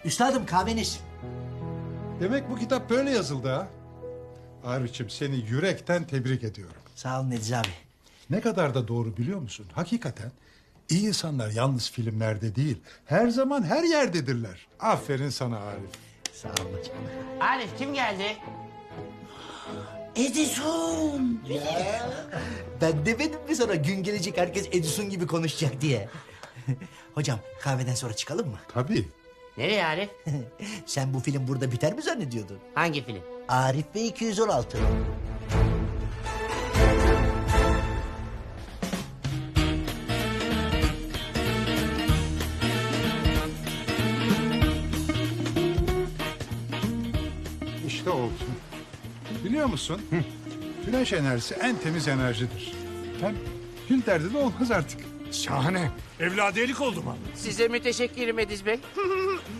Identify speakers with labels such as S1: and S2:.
S1: Üstadım kahveniz.
S2: Demek bu kitap böyle yazıldı ha? Arif'ciğim seni yürekten tebrik ediyorum.
S1: Sağ olun Ediz abi.
S2: Ne kadar da doğru biliyor musun? Hakikaten iyi insanlar yalnız filmlerde değil, her zaman her yerdedirler. Aferin sana Arif.
S1: Sağ olun hocam.
S3: Arif kim geldi?
S1: Edison. Ben demedim mi sana gün gelecek herkes Edison gibi konuşacak diye. Hocam kahveden sonra çıkalım mı?
S2: Tabii.
S3: Nereye Arif?
S1: Sen bu film burada biter mi zannediyordun?
S3: Hangi film?
S1: Arif ve 216.
S2: İşte oldu. Biliyor musun? Güneş enerjisi en temiz enerjidir. Hem gün derdi de olmaz artık.
S4: Şahane. Evladiyelik oldu mu?
S3: Size müteşekkirim Ediz Bey.